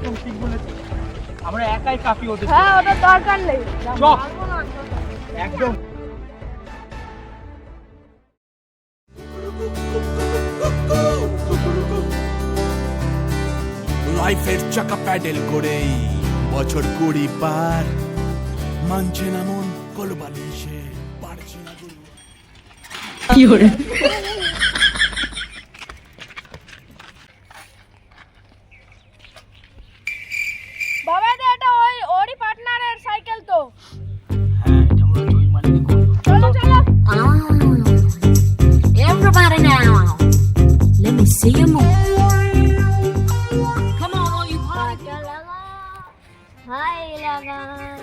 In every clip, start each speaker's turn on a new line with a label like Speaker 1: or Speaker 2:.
Speaker 1: একদম ঠিক বলেছিস, আমরা একাই কাফি হতে।
Speaker 2: হ্যাঁ, ওটা দরকার নেই।
Speaker 1: চল একদম।
Speaker 3: লাইফের চাকা প্যাডেল করেই বছর 20 পার, মানছে না মন কলবালিশে পারছে না গুরু।
Speaker 4: কি হরে
Speaker 2: বাবা দা, এটা ওরই পার্টনারের সাইকেল তো।
Speaker 1: হ্যাঁ, এটা মনে হয় ওই মালিকই করলো।
Speaker 2: চলো চলো।
Speaker 4: Everybody now, let me see you move. Come on, all you party.
Speaker 5: High লাগা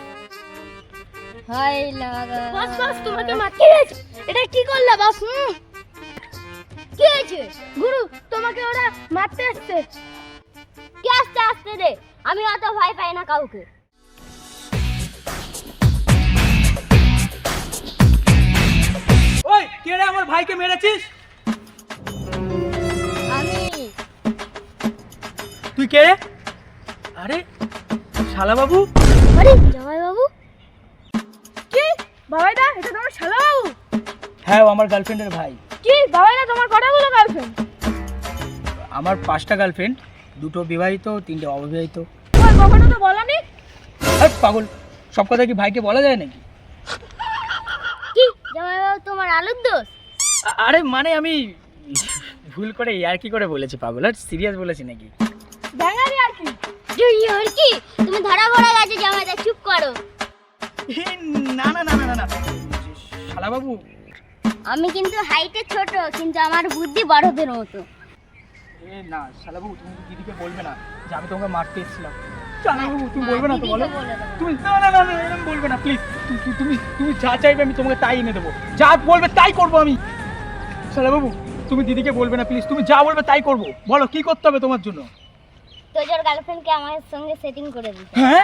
Speaker 5: হাই লাগা।
Speaker 2: বাস বাস, তোমাকে মারতে গেছে। এটা কি করলা বাস? কি হয়েছে গুরু? তোমাকে ওরা মারতে আসছে।
Speaker 5: কি আস্তে আস্তে রে, আমি অত ভয় পাই না কাউকে।
Speaker 1: ওই কে রে আমার ভাইকে মেরেছিস?
Speaker 5: আমি
Speaker 1: তুই কে রে? আরে শালা বাবু।
Speaker 5: আরে জামাই বাবু।
Speaker 2: কি বাবাই দা, এটা তোমার শালা বাবু?
Speaker 1: হ্যাঁ, ও আমার গার্লফ্রেন্ডের ভাই।
Speaker 2: কি বাবাই দা, তোমার কতগুলো গার্লফ্রেন্ড?
Speaker 1: আমার 5টা গার্লফ্রেন্ড, 2টো বিবাহিত, 3টে অবিবাহিত।
Speaker 2: ওই কখনো তো বলনি।
Speaker 1: আরে পাগল, সব কথা কি ভাইকে বলা যায় নাকি?
Speaker 5: কি জামাই বাবু তোমার আলুর দোষ?
Speaker 1: আরে মানে আমি ভুল করে আর কি করে বলেছি পাগল, আর সিরিয়াস বলেছি নাকি?
Speaker 2: ব্যাঙারি আর কি?
Speaker 5: জুনিয়র কি তুমি ধরা পড়ে গেছে জামাই দা, চুপ করো।
Speaker 1: না না না না না, শালা বাবু।
Speaker 5: আমি কিন্তু হাইটে ছোট, কিন্তু আমার বুদ্ধি বড়দের মতো।
Speaker 1: না শালা বাবু, তুমি দিদিকে বলবে না যে আমি তোমাকে মারতে এসেছিলাম। শালা বাবু তুমি বলবে না তো? বলো তুমি। না না না, এরকম বলবে না প্লিজ। তুমি তুমি যা চাইবে আমি তোমাকে তাই এনে দেবো, যা বলবে তাই করবো আমি। শালা বাবু তুমি দিদিকে বলবে না প্লিজ, তুমি যা বলবে তাই করবো। বলো কি করতে হবে তোমার জন্য?
Speaker 5: তোর গার্লফ্রেন্ডকে আমার সঙ্গে সেটিং করে দিতে।
Speaker 1: হ্যাঁ,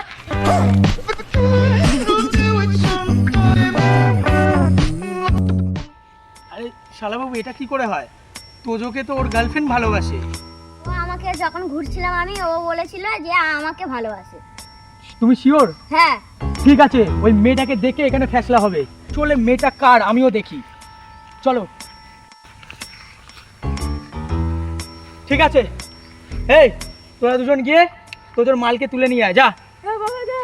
Speaker 1: আরে শালা বাবু এটা কি করে হয়? তোজোকে তো ওর গার্লফ্রেন্ড ভালোবাসে।
Speaker 5: ও আমাকে যখন ঘুরছিলাম আমি, ও বলেছিল যে আমাকে ভালোবাসে।
Speaker 1: তুমি শিওর?
Speaker 5: হ্যাঁ।
Speaker 1: ঠিক আছে, ওই মেয়েটাকে দেখে এখানে ফেসলা হবে। চলে মেয়েটা কার আমিও দেখি, চলো। ঠিক আছে, এই তোরা দুজন গিয়ে তোদের মালকে তুলে নিয়ে আয়, যা।
Speaker 2: হ্যাঁ বাবাই দা।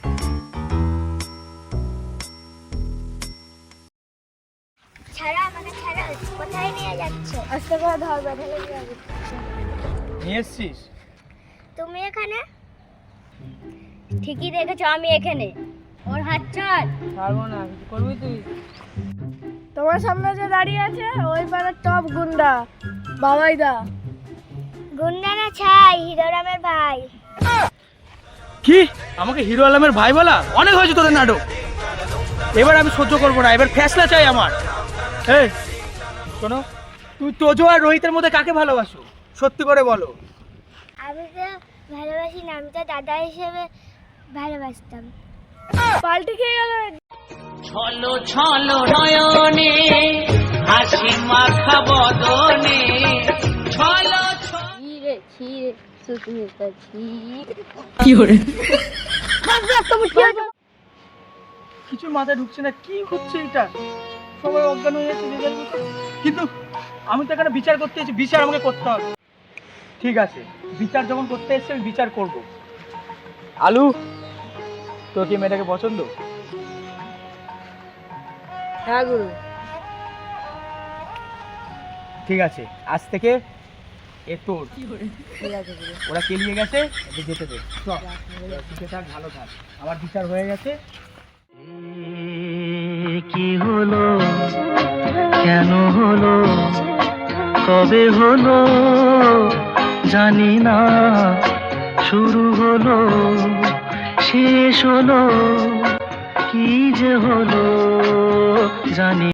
Speaker 5: ছাড়া আমাকে ছাড়া, কোথায় নিয়ে যাচ্ছ?
Speaker 2: আস্তে করে ধর, বেঁধে যাবে।
Speaker 1: নিয়ে এসছিস?
Speaker 5: তুমি এখানে? ঠিকই দেখেছো, আমি এখানে। ওর হাত ছাড়।
Speaker 2: পারবো না, কিছু করবি তুই? তোমার সামনে যে দাঁড়িয়ে আছে ওই পাড়ার টপ গুন্ডা বাবাই দা।
Speaker 5: গুন্ডা না ছাই, হিরোরামের ভাই।
Speaker 1: কি আমাকে হিরো আলমের ভাই বলা? অনেক হয়েছে তোদের নাটক, এবার আমি সহ্য করবো না, এবার ফেসলা চাই আমার। এই শোনো, তুই তোজো আর রোহিতের মধ্যে কাকে ভালোবাসো? সত্যি করে বলো।
Speaker 5: আমি তো ভালোবাসি না, আমি তো দাদা হিসেবে ভালোবাসতাম।
Speaker 2: পাল্টে খেয়ে গেল।
Speaker 4: ছলো ছলো নয়নে হাসি মাখা বদনে ছলো
Speaker 5: ছিঁড়ে ছিঁড়ে শুকিয়ে গেছি।
Speaker 4: কি হরে
Speaker 1: কিছু মাথায় ঢুকছে না, কি হচ্ছে এটা? সবাই অজ্ঞান হয়ে যাচ্ছে যে যার মতো। কিন্তু আমি তো এখানে বিচার করতে এসেছি, বিচার আমাকে করতে হবে। ঠিক আছে, বিচার যখন করতে এসেছি আমি বিচার করব। আলু, তোর কি মেয়েটাকে পছন্দ?
Speaker 2: হ্যাঁ গুরু।
Speaker 1: ঠিক আছে, আজ থেকে এ তোর।
Speaker 2: ঠিক আছে গুরু।
Speaker 1: ওরা কেলিয়ে গেছে, এদের যেতে দে। চল, ঠিক থাক, ভালো থাক, আমার বিচার হয়ে গেছে।
Speaker 6: কি হলো, কেন হলো, কবে হলো জানি না, শুরু হলো শেষ হলো, কি যে হলো জানি